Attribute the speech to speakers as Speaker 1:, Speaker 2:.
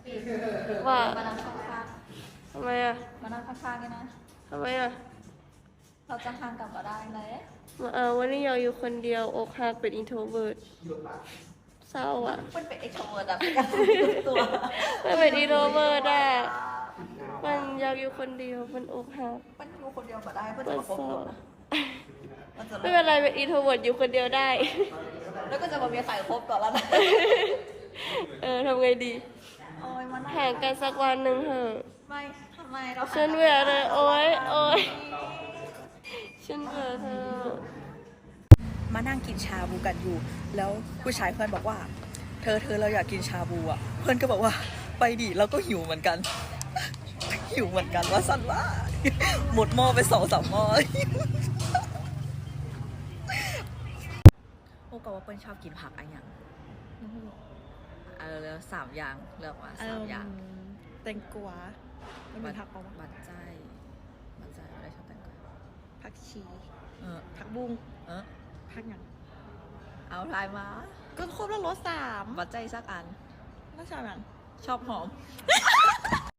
Speaker 1: ว่า
Speaker 2: มานั่งข้าง
Speaker 1: ทำไมอ่ะ
Speaker 2: ๆมานั่งข้างๆกันนะ
Speaker 1: ทำไมอ่ะ
Speaker 2: เราจะห่างกันก็ได้เลย
Speaker 1: วันนี้อยากอยู่คนเดียวอกหักเป็นอินโทรเวิร์ตเศร้าอ่ะ
Speaker 2: มันเป็นเอกโทรเวิร์ดอะเป็นการตัว
Speaker 1: มันเป็นอินโทรเวิร์ตอ่ะมันอยากอยู่คนเดียวมันอกหัก
Speaker 2: มันอยู่คนเดียวก็ได้เพื่อน
Speaker 1: มั
Speaker 2: จะ
Speaker 1: น
Speaker 2: มาคบ
Speaker 1: เศร้า
Speaker 2: คนนะมันจะ
Speaker 1: ไม่เป็นไรเป็นอินโทรเวิร์ตอยู่คนเดียวได้
Speaker 2: แล้วก็จะมามีใครคบก่อนแล้วนะ
Speaker 1: ทำไงดี
Speaker 2: โอ้ยมัน
Speaker 1: ห่างกันสักวันหนึ่งเถอะ
Speaker 2: ไม่ทำไมเรา
Speaker 1: ฉันเบื่อเลยโอ๊ยฉันเบื่อเธอ
Speaker 2: มานั่งกินชาบูกันอยู่ แล้วผู้ชายเพื่อนบอกว่า เธอเราอยากกินชาบูอ่ะ เพื่อนก็บอกว่าไปดิเราก็หิวเหมือนกัน หิวเหมือนกันว่าสันว่า หมดหม้อไป2-3 หม้อ โอ้ก็ว่าเปิ้ลชอบกินผักอะไรอย่างแล้ว3 อย่างเลือกมา3 อย่าง
Speaker 3: แตงกวามันมีผักปะวะ
Speaker 2: บัดใจอะไรชอบแตงกวา
Speaker 3: ผักชี
Speaker 2: ผักบุ้ง
Speaker 3: ผักหยัง
Speaker 2: เอาทายมา
Speaker 3: ก็ครบแล้วรส3
Speaker 2: บัดใจสักอัน
Speaker 3: แล้วชอบหยัง
Speaker 2: ชอบหอม